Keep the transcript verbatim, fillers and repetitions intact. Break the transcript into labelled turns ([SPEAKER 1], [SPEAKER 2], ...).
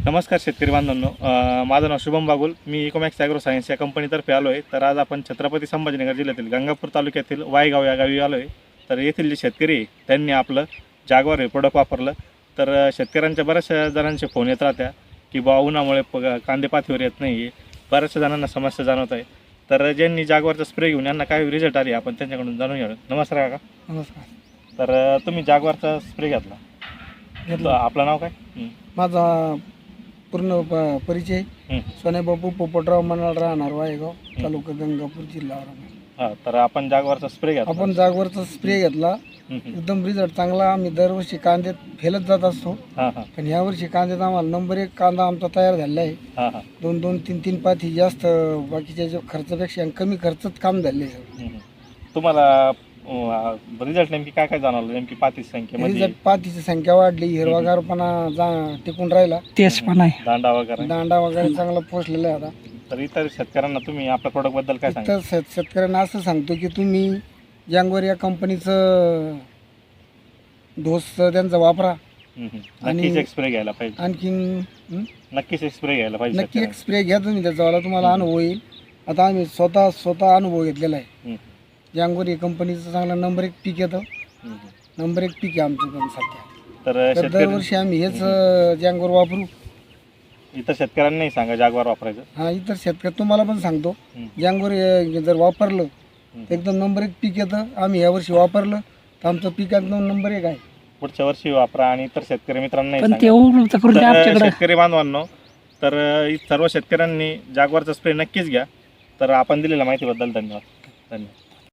[SPEAKER 1] नमस्कार शेतकरी बांधवांनो, अ, माझं नाव शुभम बागुल. मी इकोमॅक्स ॲग्रो सायन्स या कंपनीतर्फे आलो आहे. तर आज आपण छत्रपती संभाजीनगर जिल्ह्यातील गंगापूर तालुक्यातील वायगाव या गावी आलो आहे. तर येथील जे शेतकरी आहे, त्यांनी आपलं जागवार हे प्रोडक्ट वापरलं. तर अ, शेतकऱ्यांच्या बऱ्याचशा जणांचे फोन येत राहत्या की बा उन्हामुळे प कांदे पातीवर येत नाही आहे. बऱ्याचशा जणांना समस्या जाणवत आहे. तर ज्यांनी जागवारचा स्प्रे घेऊन यांना काय रिझल्ट आले आपण त्यांच्याकडून जाणून घ्या. नमस्कार काका.
[SPEAKER 2] नमस्कार.
[SPEAKER 1] तर अ, तुम्ही जागवारचा स्प्रे घेतला.
[SPEAKER 2] घेतला.
[SPEAKER 1] आपलं नाव काय? हं.
[SPEAKER 2] माझा पूर्ण प- परिचय
[SPEAKER 1] हं.
[SPEAKER 2] सोन्याबापू पोपटराव मनाळ, राहणार वायगाव, तालुका गंगापूर, जिल्हा औरंगाबाद.
[SPEAKER 1] हां, तर आपण जागवारचा स्प्रे घेतला.
[SPEAKER 2] आपण जागवरचा स्प्रे घेतला.
[SPEAKER 1] हं, हं.
[SPEAKER 2] एकदम रिझल्ट चांगला. आम्ही दरवर्षी कांद्यात फेलत जात असतो,
[SPEAKER 1] हां हां
[SPEAKER 2] पण यावर्षी कांद्यात आम्हाला नंबर एक कांदा आमचा तयार झालेला आहे.
[SPEAKER 1] हां हां
[SPEAKER 2] दोन दोन तीन तीन पाथी जास्त बाकीच्या जो खर्चापेक्षा आणि कमी खर्चात काम झाले.
[SPEAKER 1] हं, हं. तुम्हाला रिझल्ट नेमकी काय काय जाणवलं? नेमकी पातीची संख्या म्हणजे
[SPEAKER 2] रिझल्ट पाथीची संख्या वाढली, हिरवागारपणा जा टिकून राहिला,
[SPEAKER 3] तेच पण आहे.
[SPEAKER 1] दांडा वगैरे.
[SPEAKER 2] दांडा वगैरे चांगला पोचलेला आहे आता.
[SPEAKER 1] तर इतर शेतकऱ्यांना तुम्ही आपल्या प्रोडक्ट बद्दल काय सांगा?
[SPEAKER 2] तर शेत शेतकऱ्यांना असं सांगतो की तुम्ही जँगवर या कंपनीचं डोस त्यांचा वापरा.
[SPEAKER 1] नक्कीच एक स्प्रे घ्यायला पाहिजे.
[SPEAKER 2] आणखीन हं?
[SPEAKER 1] नक्कीच एक स्प्रे घ्यायला पाहिजे
[SPEAKER 2] नक्की एक स्प्रे घ्या तुम्ही, त्याचावाला तुम्हाला अनुभव येईल. आता आम्ही स्वतः स्वतः अनुभव घेतलेला आहे.
[SPEAKER 1] हं,
[SPEAKER 2] जँगवर या कंपनीचं चांगला नंबर एक पीक येतं.
[SPEAKER 1] हं, हं.
[SPEAKER 2] नंबर एक पीक आहे आमचं पण सध्या.
[SPEAKER 1] तर
[SPEAKER 2] तर
[SPEAKER 1] शेतकरी
[SPEAKER 2] दरवर्षी आम्ही हेच जँगवर वापरू.
[SPEAKER 1] इतर शेतकऱ्यांनाही सांगा जागवार वापरायचं.
[SPEAKER 2] हा, इतर शेतकरी तुम्हाला पण सांगतो,
[SPEAKER 1] हं.
[SPEAKER 2] जँगवर जर वापरलं
[SPEAKER 1] हं.
[SPEAKER 2] तर एकदम नंबर एक पीक येतं. आम्ही यावर्षी वापरलं तर आमचं पीक एकदम नंबर एक आहे.
[SPEAKER 1] पुढच्या वर्षी वापरा आणि इतर शेतकरी मित्रांनाही
[SPEAKER 3] पण ते
[SPEAKER 1] सांगा.
[SPEAKER 3] उपलब्ध करून द्या
[SPEAKER 1] तर
[SPEAKER 3] आमच्याकडे.
[SPEAKER 1] शेतकरी बांधवांनो, तर सर्व शेतकऱ्यांनी जागवारचा स्प्रे नक्कीच घ्या. तर आपण दिलेल्या माहितीबद्दल धन्यवाद. धन्यवाद.